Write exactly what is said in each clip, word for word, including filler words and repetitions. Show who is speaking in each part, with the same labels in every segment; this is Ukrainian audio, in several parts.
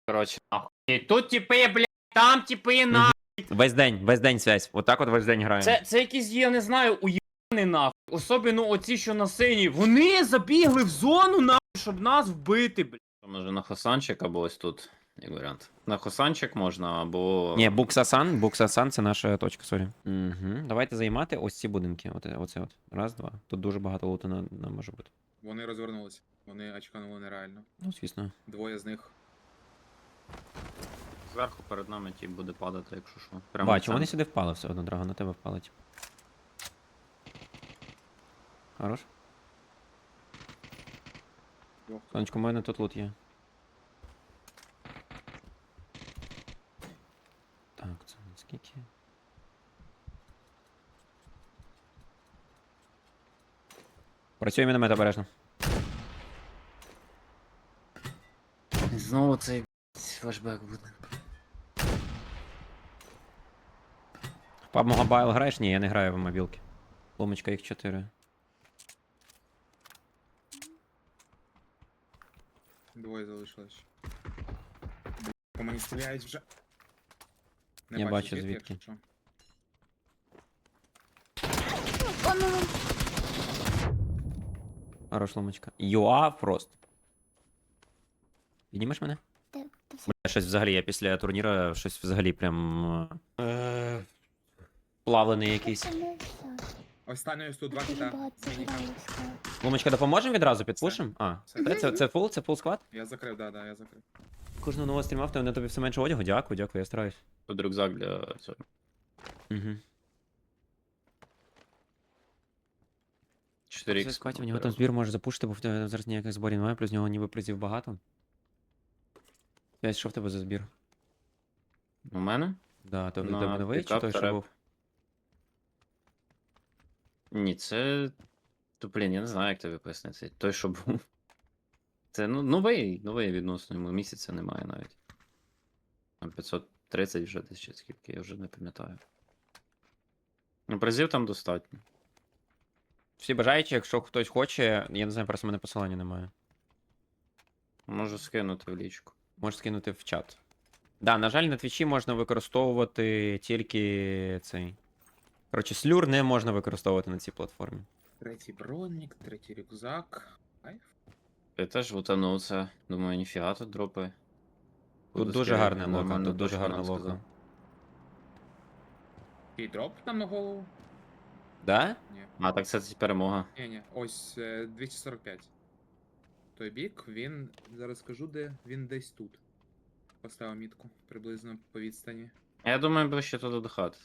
Speaker 1: Коротше, нахуй. Тут типи, блядь, там типи, нахуй.
Speaker 2: Весь день, весь день связь. Отак от весь день граємо.
Speaker 1: Це, це якісь, я не знаю, уєбані нахуй. Особливо оці, що на синій. Вони забігли в зону, нахуй, щоб нас вбити, блядь. Може на Хосанчик або ось тут, як варіант. На Хосанчик можна, або...
Speaker 2: Ні, Буксасан, Буксасан це наша точка, сорі. Угу. Давайте займати ось ці будинки. Оце, оце от. Раз, два. Тут дуже багато луту на, на може бути.
Speaker 3: Вони розвернулися. Вони очканули нереально.
Speaker 2: Ну, звісно.
Speaker 3: Двоє з них.
Speaker 1: Зверху перед нами ті буде падати, якщо що. Прямо
Speaker 2: Бачу,
Speaker 1: в
Speaker 2: вони
Speaker 1: центр.
Speaker 2: сюди впали все одно, Драго, на тебе впали. Типу. Хорош.
Speaker 3: Двох.
Speaker 2: Сонечко, у мене тут лут є. Так, це скільки? Працює міномет обережно.
Speaker 1: Знову цей флешбек буде.
Speaker 2: В паб Mobile граєш? Ні, я не граю в мобілки. Ломочка їх чотири.
Speaker 3: Двоє залишилось. По мені стріляють вже.
Speaker 2: Я бачу звідки.
Speaker 3: якщо що.
Speaker 2: Хорош ломочка. Юа фрост. Піднімеш мене?
Speaker 4: Так, та все.
Speaker 2: Бля, щось взагалі, я після турніра щось взагалі прям. Е... Плавлений якийсь.
Speaker 4: Це не все.
Speaker 3: Останньої сто два
Speaker 4: Дуже
Speaker 3: кита.
Speaker 4: багато
Speaker 3: Міні.
Speaker 4: граю в склад.
Speaker 2: Ломочка, допоможемо відразу підпушимо? А,
Speaker 3: Все.
Speaker 2: це, це, це фул, це фул склад?
Speaker 3: Я закрив, да, да, я закрив.
Speaker 2: Кожного нового стріма, в на тобі все менше одягу. Дякую, дякую, я стараюсь.
Speaker 1: Тут рюкзак для цього.
Speaker 2: Угу.
Speaker 1: чотири
Speaker 2: Це
Speaker 1: ікс.
Speaker 2: складі, в нього там збір може запушити, бо в тебе зараз ніяких зборів немає, плюс в нього ніби призів багато. П'ять, що в тебе за збір?
Speaker 1: У мене?
Speaker 2: Да, то в
Speaker 1: На
Speaker 2: тебе новий чи
Speaker 1: пікап
Speaker 2: той,
Speaker 1: та
Speaker 2: що
Speaker 1: реп.
Speaker 2: був?
Speaker 1: Ні, це... То, блін, я не знаю, як тобі пояснити. Той, що був. Це ну, новий, новий відносно йому місяця немає навіть. Там п'ятсот тридцять вже десь чи скільки, я вже не пам'ятаю. Ну, призів там достатньо.
Speaker 2: Всі бажаючі, якщо хтось хоче, я не знаю, просто в мене посилання немає.
Speaker 1: Можу скинути в лічку.
Speaker 2: Можеш скинути в чат. Да, на жаль, на твічі можна використовувати тільки цей. Коротше, слюр не можна використовувати на цій платформі.
Speaker 3: Третій бронік, третій рюкзак. Кайф.
Speaker 1: Я теж лутанув це. Думаю, ніфіга тут дропи.
Speaker 2: Тут
Speaker 1: Буду
Speaker 2: дуже
Speaker 1: скидати,
Speaker 2: гарне локо,
Speaker 1: нормально,
Speaker 2: тут дуже
Speaker 1: точно
Speaker 2: гарне
Speaker 1: нам
Speaker 2: локо.
Speaker 1: сказав.
Speaker 3: І дроп там на голову?
Speaker 2: Да?
Speaker 3: Ні.
Speaker 1: А, так це перемога.
Speaker 3: Ні, ні. Ось е, двісті сорок п'ять. Той бік, він. Зараз скажу, де він десь тут. Поставив мітку приблизно по відстані.
Speaker 1: Я думаю, ближче туди до хати.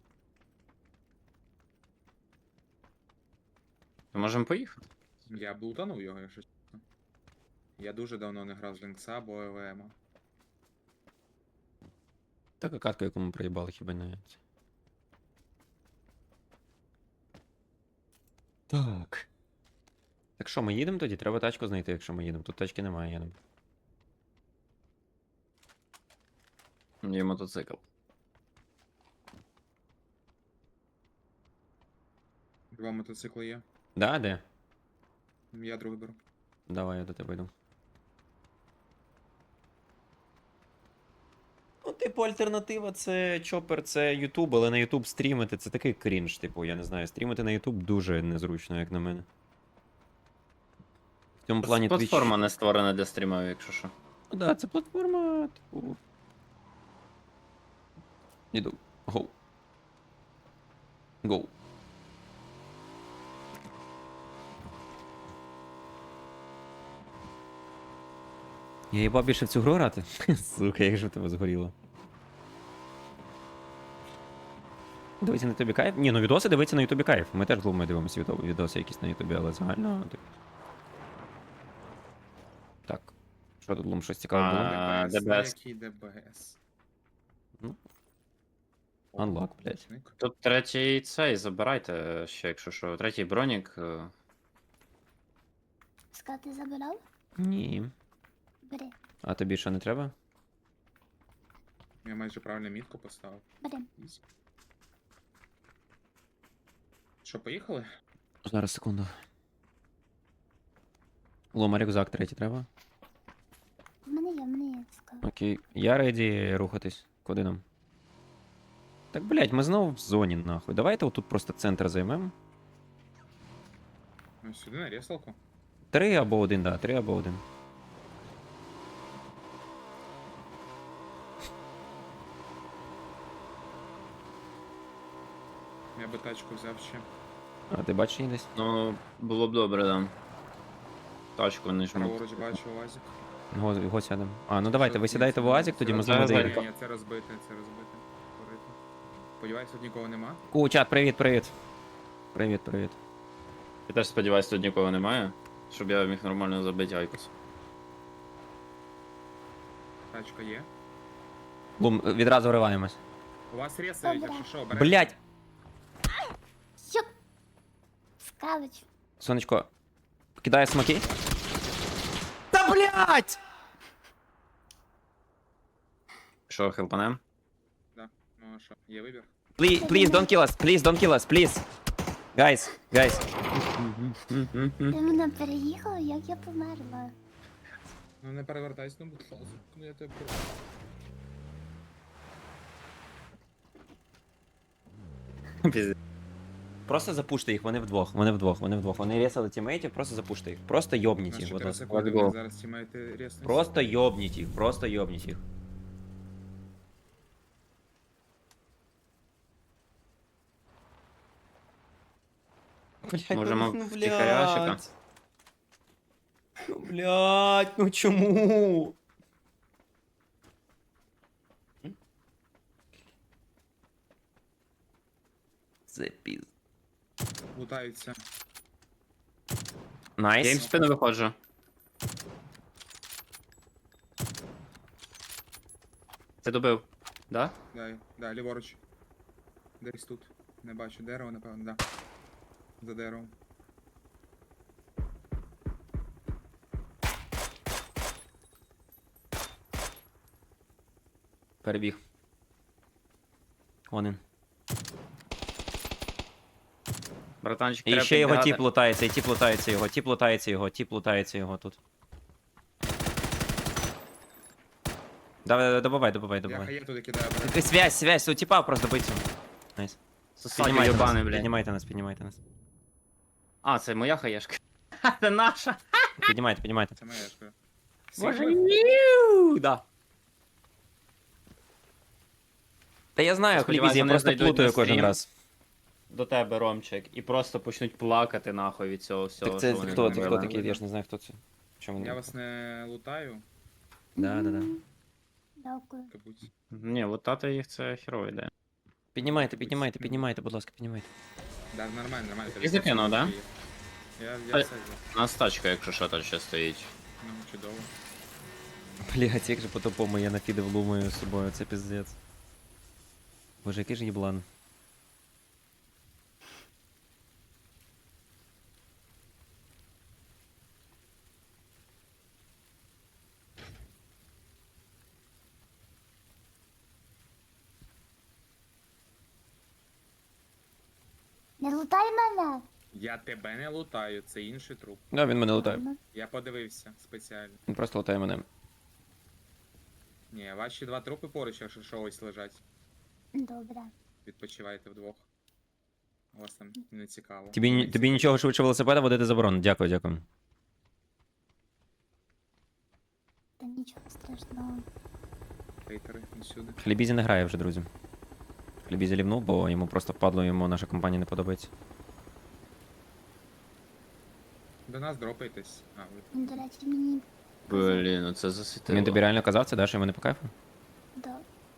Speaker 1: То можемо поїхати?
Speaker 3: Я б лутанув його, якщо чесно. Я дуже давно не грав з Лінкса або ЕВМа.
Speaker 2: Така катка, яку ми проїбали, хіба не. Так. Так що, ми їдемо тоді? Треба тачку знайти, якщо ми їдемо. Тут тачки немає, їдемо.
Speaker 1: Є мотоцикл.
Speaker 3: Два мотоцикли є.
Speaker 2: Да, де?
Speaker 3: Я другий беру.
Speaker 2: Давай, я до тебе йду. Ну, типу, альтернатива це чопер, це Ютуб, але на Ютуб стрімити це такий крінж, типу, я не знаю, стрімити на Ютуб дуже незручно, як на мене. В цьому плані Twitch...
Speaker 1: Платформа не створена для стрімів, якщо що.
Speaker 2: Ну да, це платформа, типу. Іду. Гоу. Гоу. Я їбав більше в цю гру грати? Сука, як же в тебе згоріло. Дивиться на ютубі кайф? Ні, ну відоси дивиться на ютубі кайф. Ми теж глумою дивимося відо- відоси якісь на ютубі, але загально. Так. Так. Що тут глум, щось цікаве було?
Speaker 1: А,
Speaker 3: ДБС,
Speaker 1: ДБС.
Speaker 3: який ДБС?
Speaker 2: Ну,
Speaker 3: О,
Speaker 2: unlock, блядь.
Speaker 3: помічник.
Speaker 1: Тут третій цей, забирайте ще, якщо що. Третій бронік. е,
Speaker 4: Склад ти забирав?
Speaker 2: Ні.
Speaker 4: Бери,
Speaker 2: А тобі що не треба?
Speaker 3: Я майже правильно мітку поставив.
Speaker 4: бери.
Speaker 3: Ізі. Що, поїхали?
Speaker 2: Зараз, секунду. Лома, рюкзак третій треба?
Speaker 4: В мене є, в мене є склад.
Speaker 2: Окей. Окей, я реді рухатись. Куди нам? Так, блядь, ми знову в зоні, нахуй. Давайте отут просто центр займемо.
Speaker 3: Ну, сюди на ресалку.
Speaker 2: Три або один, да, три або один.
Speaker 3: Я би тачку взяв ще.
Speaker 2: А ти бачиш її десь?
Speaker 1: Ну, було б добре, да. Тачку не жму.
Speaker 3: Праворуч бачу УАЗик.
Speaker 2: Його, його сядемо. А, ну давайте, ви
Speaker 3: Це-
Speaker 2: сідаєте
Speaker 3: це-
Speaker 2: в УАЗик, тоді ми з вами
Speaker 1: Зараз, зараз.
Speaker 2: доїдемо.
Speaker 3: Ні, ні, це розбите, це розбите. Корито. Сподіваюсь, тут нікого нема.
Speaker 2: Ку, чат, привіт, привіт. Привіт, привіт.
Speaker 1: Я теж сподіваюся, тут нікого немає, щоб я міг нормально забити Айкос.
Speaker 3: Тачка є.
Speaker 2: Лум, відразу вриваємось.
Speaker 3: У вас ресають,
Speaker 4: Добре.
Speaker 3: якщо що, берете.
Speaker 2: Блять!
Speaker 4: Що? Скавич.
Speaker 2: Сонечко, кидає смоки. Та блять!
Speaker 1: Що, хелпанем?
Speaker 3: Да. Ну а що, є вибір?
Speaker 2: Please, please, don't kill us, please, don't kill us, please. Guys, guys.
Speaker 4: Ти мене переїхав, як я померла.
Speaker 3: Ну не перевертайся, ну будь ласка. Ну я тебе прошу.
Speaker 1: Пізде.
Speaker 2: Просто запуште їх, вони вдвох, вони вдвох, вони вдвох. Вони ресали тімейтів, просто запуште їх. Просто
Speaker 3: У
Speaker 2: йобніть
Speaker 3: нас
Speaker 2: їх, будь
Speaker 3: чотири
Speaker 2: ласка.
Speaker 3: секунди,
Speaker 1: Let's go.
Speaker 3: вони зараз тімейти реснуться.
Speaker 2: Просто йобніть їх, просто йобніть їх. Блять,
Speaker 1: Можемо
Speaker 2: ну,
Speaker 1: втихаря
Speaker 2: блядь. Ну, блядь, ну чому? Це піз.
Speaker 3: Лутаються.
Speaker 1: Я їм в
Speaker 2: Найс.
Speaker 1: спину виходжу. Ти добив? Да?
Speaker 3: Да, да, ліворуч. Десь тут. Не бачу дерево, напевно, да. За деревом.
Speaker 2: Перебіг. Вон він.
Speaker 1: Братанчик,
Speaker 2: І
Speaker 1: треба
Speaker 2: ще його
Speaker 1: підбігати.
Speaker 2: тіп лутається, і тіп лутається його, тіп лутається його, тіп лутається його тут. Давай, давай, добивай, добивай,
Speaker 3: Я
Speaker 2: добивай.
Speaker 3: хає туди кидаю, бере.
Speaker 2: Ти связь, связь, у тіпа просто бить його. Найс.
Speaker 1: Сосаді
Speaker 2: Піднімайте
Speaker 1: йобаний,
Speaker 2: нас,
Speaker 1: блядь.
Speaker 2: піднімайте нас, піднімайте нас.
Speaker 1: А, це моя хаєшка. Ха, це наша.
Speaker 2: Піднімайте, піднімайте.
Speaker 3: Це моя шкода.
Speaker 1: Боже,
Speaker 3: Сігма?
Speaker 1: ніу, да.
Speaker 2: Та я знаю,
Speaker 1: Сподіваюсь,
Speaker 2: хлібізі, я
Speaker 1: вони
Speaker 2: просто
Speaker 1: знайдуть
Speaker 2: плутаю
Speaker 1: на
Speaker 2: кожен
Speaker 1: стрім.
Speaker 2: раз.
Speaker 1: До тебе, Ромчик, і просто почнуть плакати нахуй від цього всього.
Speaker 2: Так це
Speaker 1: що вони
Speaker 2: хто, це
Speaker 1: зробили.
Speaker 2: хто такий, я ж не знаю, хто це. Чому
Speaker 3: Я
Speaker 2: не?
Speaker 3: вас не лутаю,
Speaker 2: Да, да, да.
Speaker 4: Дякую.
Speaker 3: кабуть.
Speaker 1: Ні, от тата їх це херова ідея.
Speaker 2: Піднімайте, піднімайте, піднімайте, будь ласка, піднімайте.
Speaker 3: Да, нормально, нормально.
Speaker 1: Ти закинув, да?
Speaker 3: Я, я
Speaker 1: А-
Speaker 3: все взяв.
Speaker 1: У нас тачка, якщо що, там ще стоїть.
Speaker 3: Ну, чудово.
Speaker 2: Блять, як же по-тупому я нафідив лумою з собою, це піздець. Боже, який ж їблан.
Speaker 4: Не лутай мене.
Speaker 3: Я тебе не лутаю, це інший труп.
Speaker 2: Да, він мене лутає.
Speaker 4: Ладно.
Speaker 3: Я подивився спеціально.
Speaker 2: Він просто лутає мене.
Speaker 3: Ні, ваші два трупи поруч, якщо що ось лежать.
Speaker 4: Добре.
Speaker 3: Відпочивайте вдвох. У вас там не цікаво.
Speaker 2: Тобі, ні- тобі нічого швидше велосипеда водити заборонено. Дякую, дякую.
Speaker 4: Та нічого страшного.
Speaker 3: Хейтери усюди.
Speaker 2: Хлібізі не грає вже, друзі. Хлібізі лівнув, бо йому просто впадло, йому наша компанія не подобається.
Speaker 3: До нас дропайтесь. А, ви
Speaker 4: Він, до речі, мені
Speaker 1: Блін, ну це засвітило.
Speaker 2: Він тобі реально казав це, да, що йому не по кайфу?
Speaker 4: до.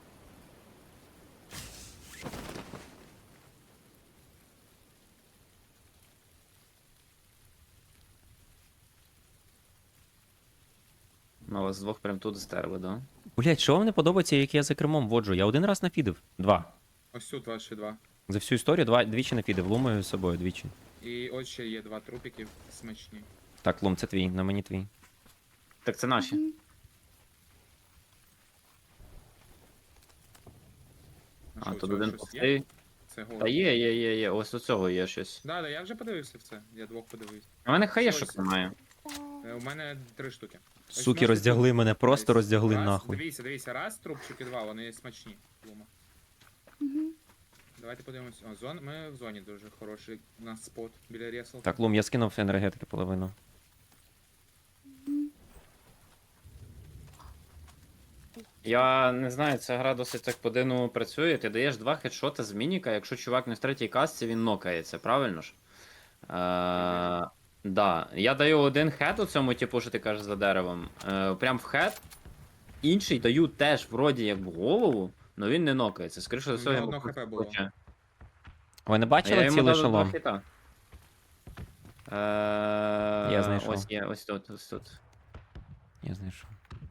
Speaker 1: Ну, вас двох прям тут стерли, да?
Speaker 2: Блять, що вам не подобається, як я за кермом воджу? Я один раз нафідив. Два.
Speaker 3: Ось тут ваші два.
Speaker 2: За всю історію два, двічі нафідив. Лумою з собою двічі.
Speaker 3: І от ще є два трупики смачні.
Speaker 2: Так, Лум, це твій, на мені твій.
Speaker 1: Так це наші.
Speaker 4: Мгм.
Speaker 3: А,
Speaker 1: А,
Speaker 3: що, у
Speaker 1: тут
Speaker 3: цього
Speaker 1: один
Speaker 3: щось є?
Speaker 1: пустий.
Speaker 3: Це голод.
Speaker 1: Та є, є, є, є. Ось у цього є щось.
Speaker 3: Да, да, я вже подивився в це. Я двох подивився.
Speaker 1: У мене хаєшок
Speaker 3: Ось.
Speaker 1: немає.
Speaker 4: Це
Speaker 3: Е, У мене три штуки. Ось
Speaker 2: Суки
Speaker 3: можете
Speaker 2: роздягли
Speaker 3: тут-
Speaker 2: мене, просто
Speaker 3: Ось,
Speaker 2: роздягли
Speaker 3: раз,
Speaker 2: нахуй.
Speaker 3: Дивіться, дивіться, раз, трубчики два, вони смачні. Лума.
Speaker 4: Мгм.
Speaker 3: Давайте подивимось. О, зон... Ми в зоні дуже хороший. У нас спот біля ресл.
Speaker 2: Так, Лум, я скинув енергетики половину.
Speaker 1: Я не знаю, ця гра досить так по-дивному працює. Ти даєш два хедшоти з мініка, якщо чувак не в третій касці, він нокається, правильно ж? Е, да. Я даю один хед у цьому, типу, що ти кажеш за деревом. Е, прям в хед. Інший даю теж вроді як в голову, але він не нокається. Скоріше за
Speaker 3: У
Speaker 1: все,
Speaker 3: нього
Speaker 1: я
Speaker 3: одно
Speaker 1: просто
Speaker 3: хп було.
Speaker 1: хоче.
Speaker 2: Ви не
Speaker 1: А я
Speaker 2: бачили
Speaker 1: йому
Speaker 2: цілий
Speaker 1: дав два
Speaker 2: шолом?
Speaker 1: хіта. Е,
Speaker 2: Я знайшов.
Speaker 1: Ось є, ось тут, ось тут.
Speaker 2: Я знайшов.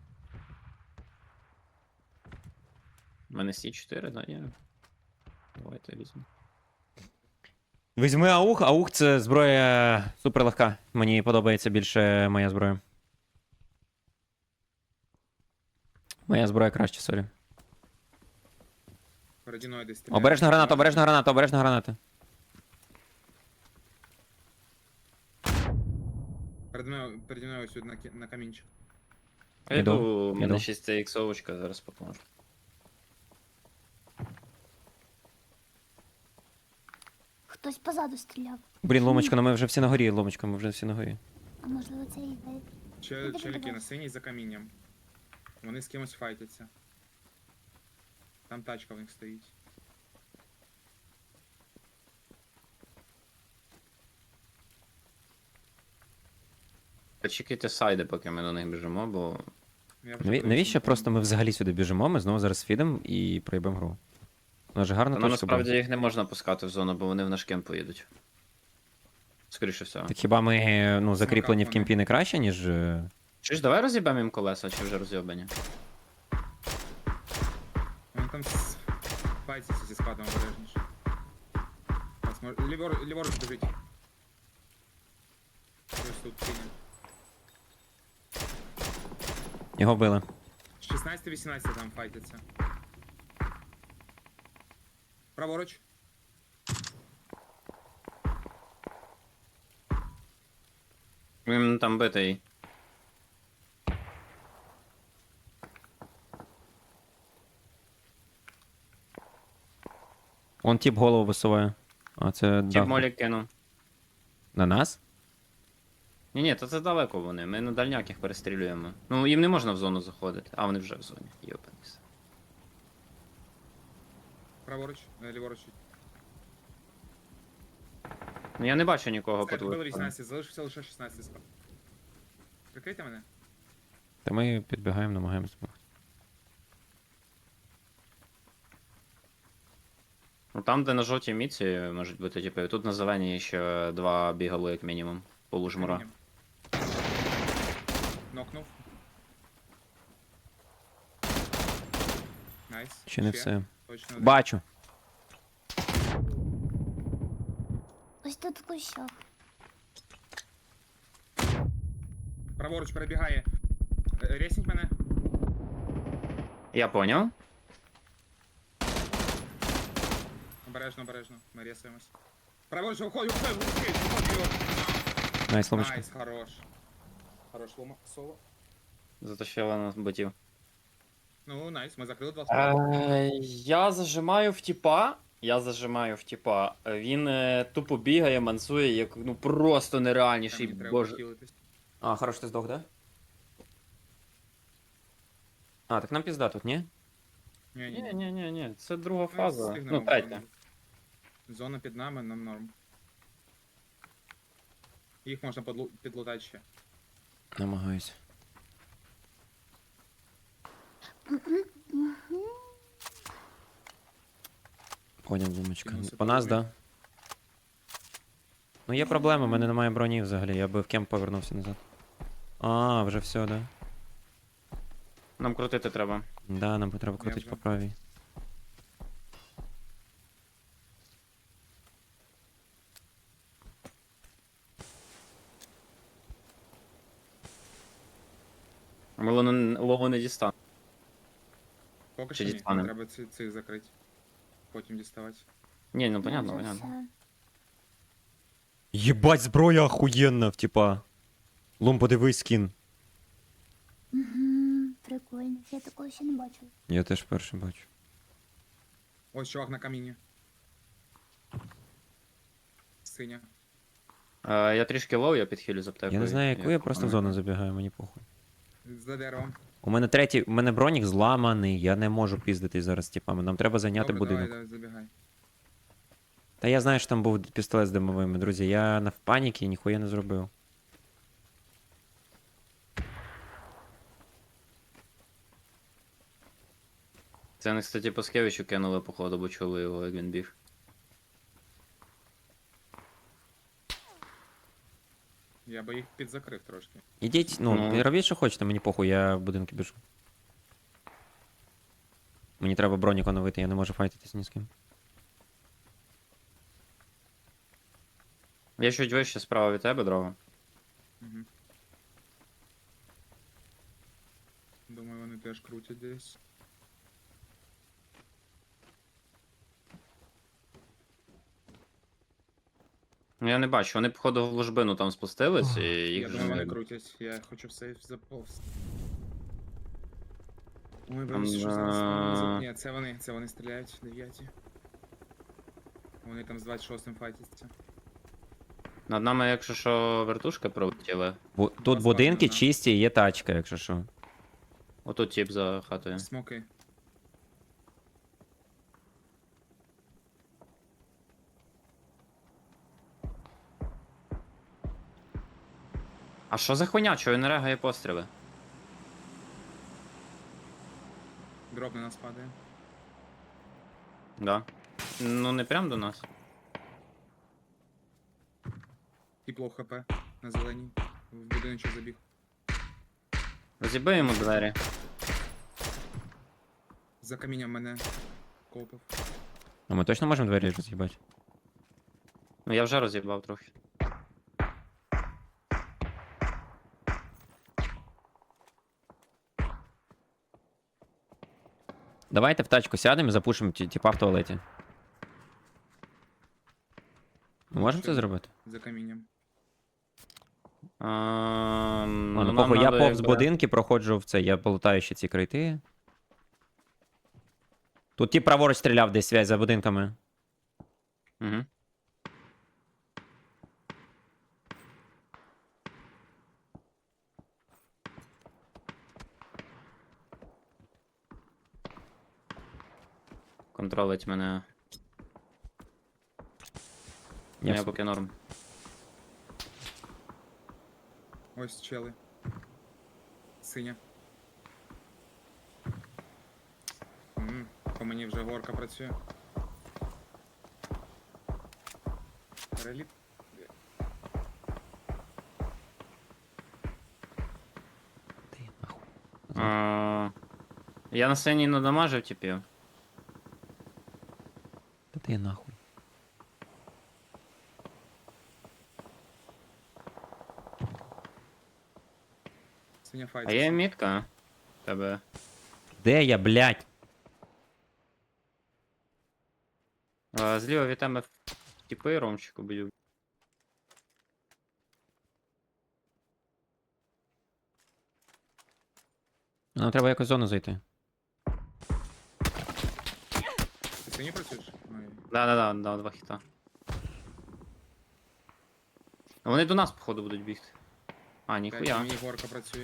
Speaker 1: У мене Сі чотири, да, є. Давайте візьму.
Speaker 2: Візьми аух, аух це зброя суперлегка. Мені подобається більше моя зброя. Моя зброя краще, сорі.
Speaker 3: Переді мною десь стріляє.
Speaker 2: Обережна граната, обережна граната, обережна граната.
Speaker 3: Перед мною, переді мною ось на, кі- на камінчик.
Speaker 1: Я
Speaker 2: Іду,
Speaker 1: йду, у мене
Speaker 2: іду.
Speaker 1: шість іксовочка, зараз поможу.
Speaker 4: Хтось позаду стріляв.
Speaker 2: Блін, Ломочка, ну ми вже всі на горі, Ломочка, ми вже всі на горі.
Speaker 4: А можливо це і йде.
Speaker 3: Че,
Speaker 4: Іди,
Speaker 3: челіки
Speaker 4: іди.
Speaker 3: на синій за камінням. Вони з кимось файтяться. Там тачка в них стоїть.
Speaker 1: Почекайте сайди, поки ми до них біжимо, бо.
Speaker 3: Я вже
Speaker 2: Наві-
Speaker 3: подивився
Speaker 2: Навіщо
Speaker 3: на
Speaker 2: просто
Speaker 3: камінь.
Speaker 2: ми взагалі сюди біжимо, ми знову зараз фідемо і проїбемо гру. У нас же гарна
Speaker 1: Ну,
Speaker 2: точка
Speaker 1: насправді
Speaker 2: була.
Speaker 1: їх не можна пускати в зону, бо вони в наш кемп поїдуть. Скоріше всього.
Speaker 2: Так хіба ми ну, закріплені в
Speaker 3: вони.
Speaker 2: кімпі не краще, ніж. е,
Speaker 1: Чи ж давай роз'їбемо їм колеса, чи вже роз'єбані?
Speaker 3: Вони там с- файтяться зі складом обережніше. Ось, мож- Лівор, ліворуч біжить. Ось тут синій.
Speaker 2: Його били.
Speaker 3: шістнадцять вісімнадцять там файтяться. Праворуч.
Speaker 1: Він там битий.
Speaker 2: Он тіп голову висуває. А це
Speaker 1: Тіп
Speaker 2: дах.
Speaker 1: молік кинув.
Speaker 2: На нас?
Speaker 1: Ні, ні, то це далеко вони. Ми на дальняк їх перестрілюємо. Ну, їм не можна в зону заходити. А, вони вже в зоні. Йопанись.
Speaker 3: Праворуч. Е, Ліворуч.
Speaker 1: Ну я не бачу нікого по
Speaker 3: Все,
Speaker 1: твою
Speaker 3: добили
Speaker 1: сторону.
Speaker 3: вісімнадцять, залишився лише шістнадцять справ. Прикрийте мене.
Speaker 2: Та ми підбігаємо, намагаємося.
Speaker 1: Ну там, де на жовтій міці можуть бути, типу, і тут на зеленій ще два бігали, як мінімум. Полужмура.
Speaker 3: Камінням. Нокнув. Найс.
Speaker 2: Ще не все.
Speaker 3: Точно один.
Speaker 2: Бачу.
Speaker 4: Ось тут в кущах.
Speaker 3: Праворуч перебігає. Е, Ресніть мене.
Speaker 1: Я поняв.
Speaker 3: Обережно, обережно. Ми ресуємось. Праворуч, виходь, виходь, виходь, виходь.
Speaker 2: Найс, Ломочка.
Speaker 3: Найс, хорош. Хорош, лома, соло.
Speaker 1: Затащила на ботів.
Speaker 3: Ну, найс, ми закрили два справи.
Speaker 1: Е, Я зажимаю в тіпа. Я зажимаю в тіпа. Він е, тупо бігає, мансує, як ну просто нереальніший.
Speaker 3: Мені треба
Speaker 1: Боже.
Speaker 3: похилитись.
Speaker 2: А, хорош, ти здох, да? А, так нам пізда тут, ні?
Speaker 3: Ні, ні,
Speaker 1: Ні,
Speaker 3: ні.
Speaker 1: ні, ні, ні, це друга
Speaker 3: Ми
Speaker 1: фаза.
Speaker 3: встигнемо
Speaker 1: Ну,
Speaker 3: в
Speaker 1: третя.
Speaker 3: зону. Зона під нами, нам норм. Їх можна подлу- підлутати ще.
Speaker 2: Намагаюся. Поняв, Лумочка.
Speaker 3: Кинувся
Speaker 1: ну,
Speaker 2: По нас,
Speaker 3: подумай.
Speaker 2: да. Ну є проблема, в мене немає броні взагалі, я би в кемп повернувся назад. А, вже все, да.
Speaker 1: Нам крутити треба.
Speaker 2: Да, нам треба
Speaker 3: Я
Speaker 2: крутити
Speaker 3: вже.
Speaker 2: по правій.
Speaker 1: Ми лону- лову не дістанемо.
Speaker 3: Поки
Speaker 1: Чи
Speaker 3: що ні,
Speaker 1: дістанем?
Speaker 3: треба ці- цих закрити. Потім діставати.
Speaker 1: Ні, ну понятно,
Speaker 4: Вже
Speaker 1: понятно.
Speaker 4: все.
Speaker 2: Єбать, зброя охуєнна, в типа. Лум, подивись скін.
Speaker 4: Угу, прикольно. Я такого ще не бачила.
Speaker 2: Я теж перший бачу.
Speaker 3: Ось чувак на каміні. Синя.
Speaker 1: Е, я трішки лоу, я підхилю з аптекою.
Speaker 2: Я не знаю, яку я просто в зону
Speaker 1: пам'ятаю.
Speaker 2: забігаю, мені похуй.
Speaker 3: За деревом.
Speaker 2: У мене третій, у мене бронік зламаний, я не можу піздитись зараз з типами. Нам треба зайняти
Speaker 3: Добре,
Speaker 2: будинок.
Speaker 3: давай, давай, забігай.
Speaker 2: Та я знаю, що там був пістолет з димовими, друзі. Я на в паніки ніхуя не зробив.
Speaker 1: Це вони, кстати, по Скевичу кинули, походу, бо чули його, як він біг.
Speaker 3: Я би їх підзакрив трошки.
Speaker 2: Ідіть, ну,
Speaker 1: Ну.
Speaker 2: робіть, що хочете, мені похуй, я в будинки біжу. Мені треба бронік оновити, я не можу файтитись ні з ким.
Speaker 1: Я чуть вище справа від тебе, дрова.
Speaker 3: Угу. Думаю, вони теж крутять десь.
Speaker 1: Ну я не бачу, вони, походу, в ложбину там спустились, і їх
Speaker 3: Я
Speaker 1: вже
Speaker 3: думаю,
Speaker 1: не
Speaker 3: вони
Speaker 1: видно.
Speaker 3: крутять. Я хочу в сейф заповз. Ой,
Speaker 1: Там,
Speaker 3: боюсь, що зараз
Speaker 1: а,
Speaker 3: вони за- Ні, це вони, це вони стріляють, дев'яті. Вони там з двадцять шостим файтяться.
Speaker 1: Над нами, якщо що, вертушка пролетіла.
Speaker 2: Бу тут
Speaker 3: Класно,
Speaker 2: будинки
Speaker 3: да.
Speaker 2: чисті, є тачка, якщо що.
Speaker 1: Отут тип за хатою.
Speaker 3: Смоки.
Speaker 1: А що за хуйня? Чого він не регає постріли?
Speaker 3: Дроп на нас падає.
Speaker 1: Да. Ну не прям до нас.
Speaker 3: Тепло хп на зеленій. В будиночок забіг.
Speaker 1: Роз'їби йому двері.
Speaker 3: За камінням мене копав.
Speaker 2: А ми точно можемо двері роз'їбати?
Speaker 1: Ну я вже роз'їбав трохи.
Speaker 2: Давайте в тачку сядемо і запушимо ті- тіпа в туалеті. Ми можемо це
Speaker 3: Що?
Speaker 2: зробити?
Speaker 3: За камінням.
Speaker 1: А,
Speaker 2: Ладно,
Speaker 1: нам
Speaker 2: похуй, я
Speaker 1: надо,
Speaker 2: повз
Speaker 1: якби-
Speaker 2: будинки проходжу в це, я полутаю ще ці крейти. Тут тіп праворуч стріляв десь связь за будинками.
Speaker 1: Мгм. Контролить мене.
Speaker 2: Я
Speaker 1: Я
Speaker 2: в-
Speaker 1: поки норм.
Speaker 3: Ось чели. Синя. М, По мені вже горка працює. Переліт.
Speaker 2: Ти нахуй.
Speaker 1: А, я на сцені надамажив типів.
Speaker 2: Та ти нахуй.
Speaker 3: Синя
Speaker 1: А
Speaker 3: файт.
Speaker 1: є мітка. Тебе.
Speaker 2: Де я, блядь?
Speaker 1: А, зліва від тебе типи ромчику б'ють.
Speaker 2: Нам треба якось в зону зайти.
Speaker 3: Ти сині працюєш? Ой.
Speaker 1: Да-да-да, да, два хіта. А вони до нас, походу, будуть бігти. А,
Speaker 3: П'ять,
Speaker 1: ніхуя.
Speaker 3: мені горка працює.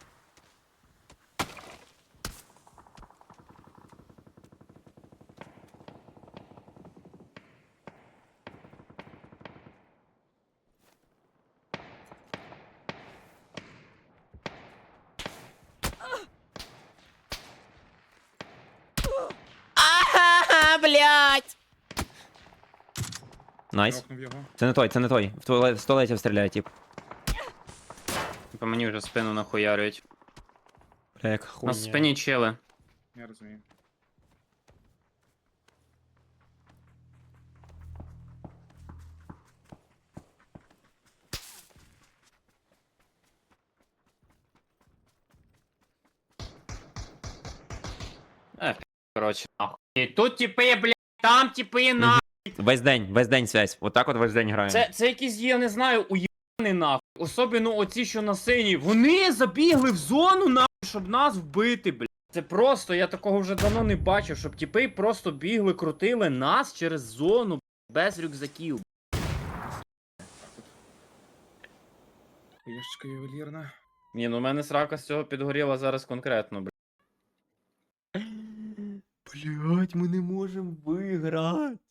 Speaker 2: Ага, блядь! Найс.
Speaker 3: Нокнув його.
Speaker 2: Це не той, це не той. В туалет, в туалеті стріляє, тип.
Speaker 1: По мені вже спину нахуярюють.
Speaker 2: Бля, як
Speaker 1: У
Speaker 2: хуйня.
Speaker 1: нас в спині чели.
Speaker 3: Я розумію.
Speaker 1: Ех, коротше, нахуй. І тут типи, блядь, там типи, нахуй.
Speaker 2: Весь день, весь день связь. Отак от весь день граємо.
Speaker 1: Це, це якісь, я не знаю, уєбаний нахуй. Особливо оці, що на синій. Вони забігли в зону, нахуй, щоб нас вбити, блядь. Це просто, я такого вже давно не бачив, щоб тіпи просто бігли, крутили нас через зону, без рюкзаків.
Speaker 3: Яшечка ювелірна.
Speaker 1: Ні, ну в мене срака з цього підгоріла зараз конкретно, блядь.
Speaker 2: Блять, ми не можемо виграти.